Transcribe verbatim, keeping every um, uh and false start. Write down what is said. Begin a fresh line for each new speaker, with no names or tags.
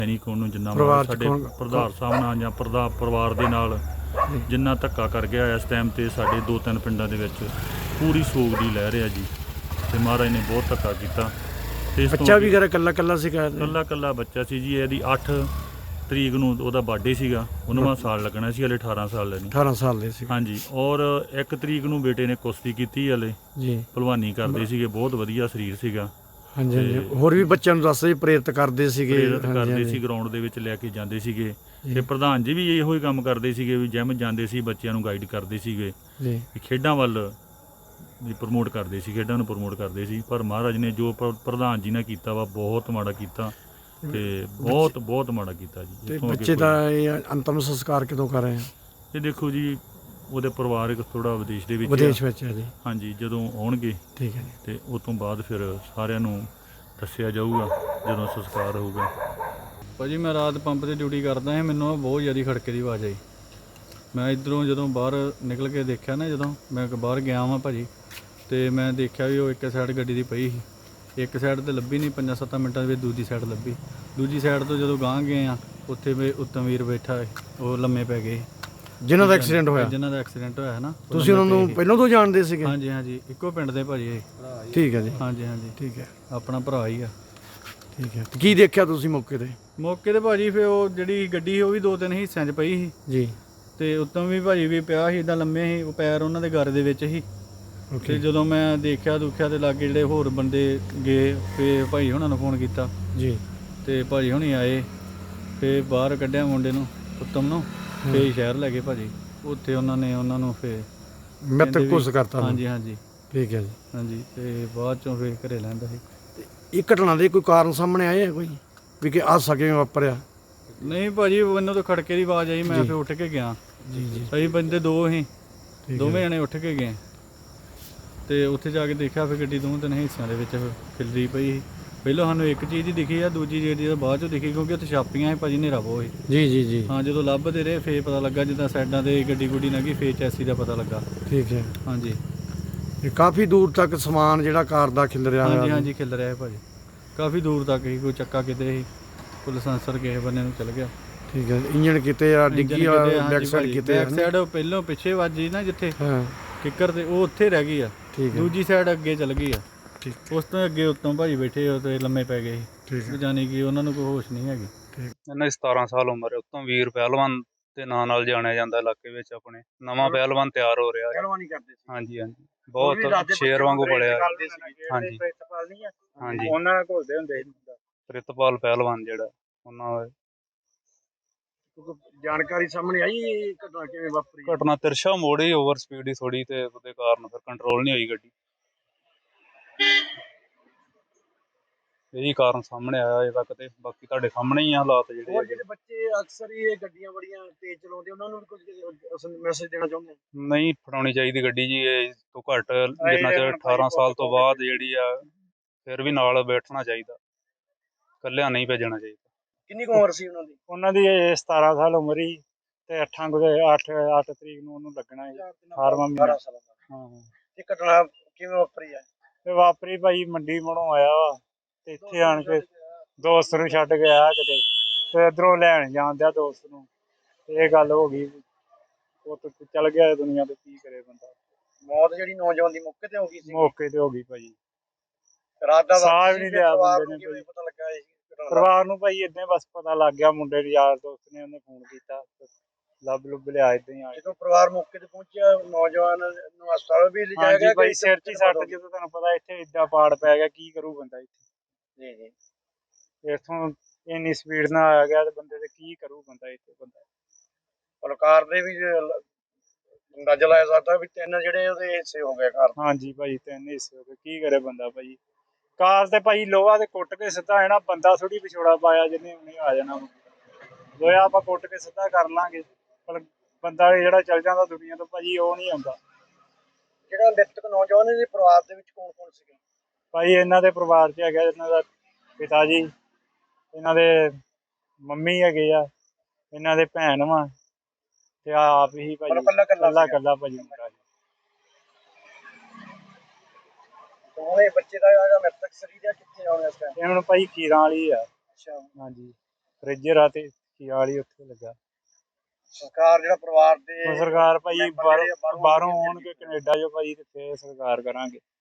ਨਹੀਂ ਕੋਣ ਨੂੰ ਜਿੰਨਾ ਮਾਣ ਸਾਡੇ ਪ੍ਰਧਾਨ ਸਾਹਿਬ ਨਾਲ ਜਾਂ ਪ੍ਰਧਾ ਪਰਿਵਾਰ ਦੇ ਨਾਲ ਜਿੰਨਾ ਧੱਕਾ ਕਰ ਗਿਆ ਇਸ ਟਾਈਮ 'ਤੇ ਸਾਡੇ ਦੋ ਤਿੰਨ ਪਿੰਡਾਂ ਦੇ ਵਿੱਚ ਪੂਰੀ ਸੋਗ ਦੀ ਲਹਿਰ ਆ ਜੀ। ਅਤੇ ਮਹਾਰਾਜ ਨੇ ਬਹੁਤ ਧੱਕਾ ਕੀਤਾ। ਅਤੇ
ਬੱਚਾ ਵੀ ਘਰ ਇਕੱਲਾ ਇਕੱਲਾ ਸੀਗਾ?
ਇਕੱਲਾ ਇਕੱਲਾ ਬੱਚਾ ਸੀ ਜੀ। ਇਹਦੀ ਅੱਠ ਤਰੀਕ ਨੂੰ ਉਹਦਾ ਬਰਥਡੇ ਸੀਗਾ। ਉਨਵਾਂ ਸਾਲ ਲੱਗਣਾ ਸੀ, ਹਲੇ ਅਠਾਰਾਂ ਸਾਲ ਲੈਣੀ।
ਅਠਾਰਾਂ ਸਾਲ ਦੇ ਸੀ,
ਹਾਂਜੀ। ਔਰ ਇੱਕ ਤਰੀਕ ਨੂੰ ਬੇਟੇ ਨੇ ਕੁਸ਼ਤੀ ਕੀਤੀ ਹਲੇ
ਜੀ।
ਭਲਵਾਨੀ ਕਰਦੇ ਸੀਗੇ, ਬਹੁਤ ਵਧੀਆ ਸਰੀਰ ਸੀਗਾ।
ਹਾਂਜੀ ਹਾਂਜੀ। ਹੋਰ ਵੀ ਬੱਚਿਆਂ ਨੂੰ ਦੱਸਦੇ ਪ੍ਰੇਰਿਤ ਕਰਦੇ ਸੀਗੇ?
ਪ੍ਰੇਰਿਤ ਕਰਦੇ ਸੀ, ਗਰਾਊਂਡ ਦੇ ਵਿੱਚ ਲੈ ਕੇ ਜਾਂਦੇ ਸੀਗੇ। ਅਤੇ ਪ੍ਰਧਾਨ ਜੀ ਵੀ ਇਹੋ ਹੀ ਕੰਮ ਕਰਦੇ ਸੀਗੇ ਵੀ ਜਿਮ ਜਾਂਦੇ ਸੀ, ਬੱਚਿਆਂ ਨੂੰ ਗਾਈਡ ਕਰਦੇ ਸੀਗੇ ਵੀ ਖੇਡਾਂ ਵੱਲ ਵੀ ਪ੍ਰਮੋਟ ਕਰਦੇ ਸੀ, ਖੇਡਾਂ ਨੂੰ ਪ੍ਰਮੋਟ ਕਰਦੇ ਸੀ। ਪਰ ਮਹਾਰਾਜ ਨੇ ਜੋ ਪ ਪ੍ਰਧਾਨ ਜੀ ਨੇ ਕੀਤਾ ਵਾ ਬਹੁਤ ਮਾੜਾ ਕੀਤਾ, ਅਤੇ ਬਹੁਤ ਬਹੁਤ ਮਾੜਾ ਕੀਤਾ ਜੀ।
ਅਤੇ ਬੱਚੇ ਦਾ ਇਹ ਅੰਤਮ ਸੰਸਕਾਰ ਕਦੋਂ ਕਰ ਰਹੇ ਆ? ਇਹ
ਦੇਖੋ ਜੀ, ਉਹਦੇ ਪਰਿਵਾਰਕ ਥੋੜ੍ਹਾ ਵਿਦੇਸ਼ ਦੇ ਵਿੱਚ
ਵਿਦੇਸ਼ ਵਿੱਚ ਹੈ ਜੀ।
ਹਾਂਜੀ, ਜਦੋਂ ਆਉਣਗੇ
ਠੀਕ ਹੈ ਜੀ,
ਅਤੇ ਉਸ ਤੋਂ ਬਾਅਦ ਫਿਰ ਸਾਰਿਆਂ ਨੂੰ ਦੱਸਿਆ ਜਾਊਗਾ ਜਦੋਂ ਸੰਸਕਾਰ ਹੋਊਗਾ।
ਭਾਅ ਜੀ ਮੈਂ ਰਾਤ ਪੰਪ 'ਤੇ ਡਿਊਟੀ ਕਰਦਾ ਸੀ, ਮੈਨੂੰ ਬਹੁਤ ਜ਼ਿਆਦਾ ਖੜਕੇ ਦੀ ਆਵਾਜ਼ ਆਈ। ਮੈਂ ਇੱਧਰੋਂ ਜਦੋਂ ਬਾਹਰ ਨਿਕਲ ਕੇ ਦੇਖਿਆ ਨਾ, ਜਦੋਂ ਮੈਂ ਬਾਹਰ ਗਿਆ ਵਾਂ ਭਾਅ ਜੀ, ਅਤੇ ਮੈਂ ਦੇਖਿਆ ਵੀ ਉਹ ਇੱਕ ਸਾਈਡ ਗੱਡੀ ਦੀ ਪਈ ਸੀ। ਇੱਕ ਸਾਈਡ 'ਤੇ ਲੱਭੀ ਨਹੀਂ, ਪੰਜਾਂ ਸੱਤਾਂ ਮਿੰਟਾਂ ਦੇ ਵਿੱਚ ਦੂਜੀ ਸਾਈਡ ਲੱਭੀ। ਦੂਜੀ ਸਾਈਡ ਤੋਂ ਜਦੋਂ ਗਾਂਹ ਗਏ ਆ, ਉੱਥੇ ਵੀ ਉੱਤਮ ਵੀਰ ਬੈਠਾ, ਉਹ ਲੰਮੇ ਪੈ ਗਏ
ਜਿਨ੍ਹਾਂ ਦਾ ਐਕਸੀਡੈਂਟ ਹੋਇਆ।
ਜਿਨ੍ਹਾਂ ਦਾ ਐਕਸੀਡੈਂਟ ਹੋਇਆ ਹੈ ਨਾ।
ਤੁਸੀਂ ਉਹਨਾਂ ਨੂੰ ਪਹਿਲਾਂ ਤੋਂ ਜਾਣਦੇ ਸੀਗੇ?
ਹਾਂਜੀ ਹਾਂਜੀ, ਇੱਕੋ ਪਿੰਡ ਦੇ ਭਾਅ ਜੀ ਇਹ।
ਠੀਕ ਹੈ ਜੀ।
ਹਾਂਜੀ ਹਾਂਜੀ,
ਠੀਕ ਹੈ,
ਆਪਣਾ ਭਰਾ ਹੀ ਆ।
ਠੀਕ ਹੈ। ਕੀ ਦੇਖਿਆ ਤੁਸੀਂ ਮੌਕੇ 'ਤੇ?
ਮੌਕੇ 'ਤੇ ਭਾਅ ਜੀ ਫਿਰ ਉਹ ਜਿਹੜੀ ਗੱਡੀ ਸੀ ਉਹ ਵੀ ਦੋ ਤਿੰਨ ਹਿੱਸਿਆਂ 'ਚ ਪਈ ਸੀ
ਜੀ।
ਅਤੇ ਉੱਤੋਂ ਵੀ ਭਾਅ ਜੀ ਵੀ ਪਿਆ ਸੀ, ਇੱਦਾਂ ਲੰਮੇ ਸੀ, ਉਹ ਪੈਰ ਉਹਨਾਂ ਦੇ ਗਰ ਦੇ ਵਿੱਚ ਸੀ। ਅਤੇ ਜਦੋਂ ਮੈਂ ਦੇਖਿਆ ਦੁਖਿਆ ਅਤੇ ਲਾਗੇ ਜਿਹੜੇ ਹੋਰ ਬੰਦੇ ਗਏ, ਫਿਰ ਭਾਈ ਹੁਣਾਂ ਨੂੰ ਫੋਨ ਕੀਤਾ
ਜੀ,
ਅਤੇ ਭਾਜੀ ਹੁਣੀ ਆਏ, ਫਿਰ ਬਾਹਰ ਕੱਢਿਆ ਮੁੰਡੇ ਨੂੰ, ਉੱਤਮ ਨੂੰ, ਫਿਰ ਸ਼ਹਿਰ ਲੈ ਗਏ ਭਾਅ ਜੀ। ਉੱਥੇ ਉਹਨਾਂ ਨੇ ਉਹਨਾਂ ਨੂੰ ਫਿਰ
ਮ੍ਰਿਤਕ ਘੋਸ਼ਿਤ ਕਰਤਾ?
ਹਾਂਜੀ ਹਾਂਜੀ।
ਠੀਕ ਹੈ ਜੀ।
ਹਾਂਜੀ, ਅਤੇ ਬਾਅਦ 'ਚੋਂ ਫਿਰ ਘਰੇ ਲੈਂਦਾ ਸੀ।
ਇਹ ਘਟਨਾ ਦੇ ਕੋਈ ਕਾਰਨ ਸਾਹਮਣੇ ਆਏ ਆ ਕੋਈ ਵੀ ਕਿ ਆ ਸਕੇ ਵਾਪਰਿਆ?
ਨਹੀਂ ਭਾਅ ਜੀ, ਮੈਨੂੰ ਤਾਂ ਖੜਕੇ ਦੀ ਆਵਾਜ਼ ਆਈ, ਮੈਂ ਫਿਰ ਉੱਠ ਕੇ ਗਿਆ।
ਜੀ ਜੀ।
ਅਸੀਂ ਬੰਦੇ ਦੋ ਸੀ, ਦੋਵੇਂ ਜਣੇ ਉੱਠ ਕੇ ਗਏ, ਅਤੇ ਉੱਥੇ ਜਾ ਕੇ ਦੇਖਿਆ ਫਿਰ ਗੱਡੀ ਦੋਵੇਂ ਤਿੰਨ ਹਿੱਸਿਆਂ ਦੇ ਵਿੱਚ ਖਿਲਰੀ ਪਈ ਸੀ। ਪਹਿਲਾਂ ਸਾਨੂੰ ਇੱਕ ਚੀਜ਼ ਹੀ ਦਿਖੀ ਆ, ਦੂਜੀ ਜਿਹੜੀ ਆ ਬਾਅਦ 'ਚੋਂ ਦਿਖੀ, ਕਿਉਂਕਿ ਉੱਥੇ ਛਾਪੀਆਂ ਸੀ ਭਾਅ ਜੀ, ਹਨੇਰਾ ਬਹੁਤ ਸੀ।
ਜੀ ਜੀ ਜੀ।
ਹਾਂ, ਜਦੋਂ ਲੱਭਦੇ ਰਹੇ ਫਿਰ ਪਤਾ ਲੱਗਾ, ਜਿੱਦਾਂ ਸਾਈਡਾਂ 'ਤੇ ਗੱਡੀ ਗੁੱਡੀ ਲੰਘੀ, ਫਿਰ ਚੈਸੀ ਦਾ ਪਤਾ ਲੱਗਾ। ਠੀਕ ਹੈ। ਹਾਂਜੀ।
ਇਹ ਕਾਫੀ ਦੂਰ ਤੱਕ ਸਮਾਨ ਜਿਹੜਾ ਕਾਰ ਦਾ ਖਿਲ ਰਿਹਾ?
ਹਾਂਜੀ ਹਾਂਜੀ, ਖਿਲ ਰਿਹਾ ਭਾਅ ਜੀ, ਕਾਫੀ ਦੂਰ ਤੱਕ ਹੀ। ਕੋਈ ਚੱਕਾ ਕਿਤੇ ਸੀ, ਕੋਈ ਲਾਇਸੈਂਸਰ ਕਿਸੇ ਬੰਨੇ ਨੂੰ ਚਲ ਗਿਆ।
ਠੀਕ ਹੈ। ਇੰਜਣ ਕਿਤੇ ਆ, ਡਿੱਗੀ ਆ, ਬੈਕ ਸਾਈਡ ਕਿਤੇ?
ਬੈਕ ਸਾਈਡ ਪਹਿਲੋਂ ਪਿੱਛੇ ਵੱਜੀ ਨਾ ਜਿੱਥੇ ਕਿੱਕਰ, ਤੇ ਉਹ ਉੱਥੇ ਰਹਿ ਗਈ ਆ। ਠੀਕ ਹੈ। ਦੂਜੀ ਸਾਈਡ ਅੱਗੇ ਚਲ ਗਈ ਆ। ਠੀਕ। ਉਸ ਤੋਂ ਅੱਗੇ ਉੱਤੋਂ ਭਾਜੀ ਬੈਠੇ ਉਹ ਤੇ ਲੰਮੇ ਪੈ ਗਏ ਸੀ। ਠੀਕ। ਜਾਨੀ ਕਿ ਉਹਨਾਂ ਨੂੰ ਕੋਈ ਹੋਸ਼ ਨਹੀਂ ਹੈਗੀ।
ਠੀਕ।
ਇਹਨਾਂ ਦੀ ਸਤਾਰਾਂ ਸਾਲ ਉਮਰ ਹੈ। ਉੱਤੋਂ ਵੀਰ ਪਹਿਲਵਾਨ ਦੇ ਨਾਂ ਨਾਲ ਜਾਣਿਆ ਜਾਂਦਾ ਇਲਾਕੇ ਵਿੱਚ। ਆਪਣੇ ਨਵਾਂ ਪਹਿਲਵਾਨ ਤਿਆਰ ਹੋ ਰਿਹਾ। ਪਹਿਲਵਾਨੀ ਕਰਦੇ ਸੀ? ਹਾਂਜੀ ਹਾਂਜੀ, ਬਹੁਤ ਸ਼ੇਰ ਵਾਂਗੂ ਪੜਿਆ। ਹਾਂਜੀ ਹਾਂਜੀ, ਉਹਨਾਂ ਨਾਲ ਘੁਲਦੇ ਹੁੰਦੇ ਸੀ। ਪ੍ਰਿਤਪਾਲ ਪਹਿਲਵਾਨ ਜਿਹੜਾ, ਉਹਨਾਂ ਦਾ
ਜਾਣਕਾਰੀ ਸਾਹਮਣੇ ਆਈ ਘਟਨਾ ਕਿਵੇਂ ਵਾਪਰੀ?
ਘਟਨਾ ਤਿਰਸ਼ਾ ਮੋੜ ਹੀ ਓਵਰ ਸਪੀਡ ਹੀ ਥੋੜੀ, ਤੇ ਉਹਦੇ ਕਾਰਨ ਫਿਰ ਕੰਟਰੋਲ ਨਹੀਂ ਹੋਈ ਗੱਡੀ। ਇਹੀ ਕਾਰਨ ਸਾਹਮਣੇ ਆਇਆ ਅਜੇ ਤੱਕ, ਤੇ ਬਾਕੀ ਤੁਹਾਡੇ ਸਾਹਮਣੇ ਹੀ ਆ ਹਾਲਾਤ ਜਿਹੜੇ।
ਹੋਰ ਜਿਹੜੇ ਬੱਚੇ ਅਕਸਰ ਹੀ ਇਹ ਗੱਡੀਆਂ ਬੜੀਆਂ ਤੇਜ਼ ਚਲਾਉਂਦੇ, ਉਹਨਾਂ ਨੂੰ ਵੀ ਕੁਝ ਮੈਸੇਜ ਦੇਣਾ ਚਾਹੁੰਦੇ?
ਨਹੀਂ ਫੜਾਉਣੀ ਚਾਹੀਦੀ ਗੱਡੀ ਜੀ, ਇਹ ਤੋਂ ਘੱਟ ਜਿੰਨਾ ਚਿਰ ਅਠਾਰਾਂ ਸਾਲ ਤੋਂ ਬਾਅਦ ਜਿਹੜੀ ਆ, ਫਿਰ ਵੀ ਨਾਲ ਬੈਠਣਾ ਚਾਹੀਦਾ, ਇਕੱਲਿਆਂ ਨਹੀਂ ਭੇਜਣਾ ਚਾਹੀਦਾ।
ਕਿੰਨੀ ਕੁ ਉਮਰ ਸੀ ਉਹਨਾਂ ਦੀ?
ਉਹਨਾਂ ਦੀ ਸਤਾਰਾਂ ਸਾਲ ਉਮਰ ਹੀ, ਤੇ ਅੱਠਾਂ ਅੱਠ ਅੱਠ ਤਰੀਕ ਨੂੰ ਉਹਨੂੰ ਲੱਗਣਾ ਹੈ ਅਠਾਰਵਾਂ ਮਹੀਨਾ। ਹਾਂ।
ਇਹ ਘਟਨਾ ਕਿਵੇਂ ਵਾਪਰੀ ਹੈ?
ਤੇ ਵਾਪਰੀ ਭਾਈ ਮੰਡੀ ਮੋੜੋਂ ਆਇਆ ਵਾ, ਤੇ ਇੱਥੇ ਆਣ ਕੇ ਦੋਸਤ ਨੂੰ ਛੱਡ ਕੇ ਆਇਆ ਕਿਤੇ, ਤੇ ਇੱਧਰੋਂ ਲੈਣ ਜਾਣ ਦਿਆ ਦੋਸਤ ਨੂੰ, ਤੇ ਇਹ ਗੱਲ ਹੋ ਗਈ। ਉਹ ਚੱਲ ਗਿਆ ਦੁਨੀਆ ਤੇ, ਕੀ ਕਰੇ ਬੰਦਾ।
ਮੌਤ ਜਿਹੜੀ ਨੌਜਵਾਨ ਦੀ ਮੌਕੇ ਤੇ ਹੋ ਗਈ ਸੀ?
ਮੌਕੇ ਤੇ ਹੋ ਗਈ ਭਾਜੀ।
ਰਾਤ ਦਾ
ਸਾਹ ਵੀ ਨਹੀਂ ਲਿਆ ਬੰਦੇ ਨੇ।
ਪਤਾ ਲੱਗਾ
ਪਰਿਵਾਰ ਨੂੰ ਭਾਈ ਏਦਾਂ ਬਸ ਪਤਾ ਲੱਗ ਗਿਆ, ਮੁੰਡੇ ਦੇ ਯਾਰ ਦੋਸਤ ਨੇ ਉਹਨੇ ਫੋਨ ਕੀਤਾ, ਲੱਭ ਲੁੱਭ ਲਿਆ ਏਦਾਂ ਹੀ ਆ।
ਜਦੋਂ ਪਰਿਵਾਰ ਮੌਕੇ ਤੇ ਪਹੁੰਚਿਆ, ਨੌਜਵਾਨ ਨੂੰ ਹਸਪਤਾਲ ਵੀ ਲਿਜਾਇਆ ਗਿਆ?
ਭਾਈ ਸਿਰ 'ਚ ਹੀ ਸੱਟ, ਜਦੋਂ ਤੁਹਾਨੂੰ ਪਤਾ ਇੱਥੇ ਏਦਾਂ ਪਾੜ ਪੈ ਗਿਆ, ਕੀ ਕਰੂ ਬੰਦਾ ਇੱਥੇ।
ਜੀ ਜੀ।
ਇੱਥੋਂ ਇੰਨੀ ਸਪੀਡ ਨਾਲ ਆ ਗਿਆ ਤੇ ਬੰਦੇ ਤੇ ਕੀ ਕਰੂ ਬੰਦਾ ਇੱਥੇ। ਬੰਦਾ
ਕਾਰ ਦੇ ਵੀ ਅੰਦਾਜ਼ਾ ਲਾਇਆ ਸਕਦਾ ਵੀ ਤਿੰਨ ਜਿਹੜੇ ਉਹਦੇ ਹਿੱਸੇ ਹੋ ਗਏ ਕਾਰ।
ਹਾਂਜੀ ਭਾਈ, ਤਿੰਨ ਹਿੱਸੇ ਹੋ ਗਏ, ਕੀ ਕਰੇ ਬੰਦਾ ਭਾਈ। ਕਾਰ ਤੇ ਭਾਈ ਲੋਹਾ ਤੇ ਕੁੱਟ ਕੇ ਸਿੱਧਾ ਹੈ ਨਾ, ਬੰਦਾ ਥੋੜੀ ਵਿਛੋੜਾ ਪਾਇਆ ਜਿਹਨੇ ਉਹਨੇ ਆ ਜਾਣਾ। ਲੋਹਾ ਆਪਾਂ ਕੁੱਟ ਕੇ ਸਿੱਧਾ ਕਰ ਲਾਂਗੇ, ਪਰ ਬੰਦਾ ਜਿਹੜਾ ਚੱਲ ਜਾਂਦਾ ਦੁਨੀਆ ਤੋਂ ਭਾਜੀ, ਉਹ ਨਹੀਂ ਆਉਂਦਾ।
ਜਿਹੜਾ ਮ੍ਰਿਤਕ ਨੌਜਵਾਨ ਦੇ ਪਰਿਵਾਰ ਦੇ ਵਿੱਚ ਕੌਣ ਕੌਣ ਸੀਗੇ?
ਭਾਈ ਇਹਨਾਂ ਦੇ ਪਰਿਵਾਰ 'ਚ ਹੈਗਾ ਇਹਨਾਂ ਦਾ ਪਿਤਾ ਜੀ, ਇਹਨਾਂ ਦੇ ਮੰਮੀ ਹੈਗੇ ਆ, ਇਹਨਾਂ ਦੇ ਭੈਣ ਵਾ, ਤੇ ਆਪ ਹੀ ਭਾਜੀ ਕੱਲਾ ਕੱਲਾ ਭਾਜੀ ਮੁੰਡਾ ਜੀ।
ਹੁਣ ਇਹ ਬੱਚੇ ਦਾ ਜਿਹੜਾ ਮ੍ਰਿਤਕ ਸਰੀਰ ਆ ਕਿੱਥੇ ਆਉਣਾ ਇਸ ਟਾਈਮ?
ਇਹ ਹੁਣ ਭਾਈ ਖੀਰਾਂ ਵਾਲੀ ਆ।
ਅੱਛਾ।
ਹਾਂਜੀ। ਫ੍ਰਿਜ ਰਾਤੇ ਖਿਆਲ ਹੀ ਉੱਥੇ ਲੱਗਾ।
ਸਰਕਾਰ ਜਿਹੜਾ ਪਰਿਵਾਰ ਦੇ
ਹੁਣ ਸਰਕਾਰ ਭਾਈ
ਮੈਂਬਰ
ਬਾਹਰੋਂ
ਜਿਹੜੇ ਆ ਬਾਹਰੋਂ
ਬਾਹਰੋਂ
ਆਉਣਗੇ
ਆਉਣਗੇ ਕੈਨੇਡਾ ਚੋਂ ਭਾਈ ਤੇ ਫੇਰ ਸਰਕਾਰ ਕਰਾਂਗੇ।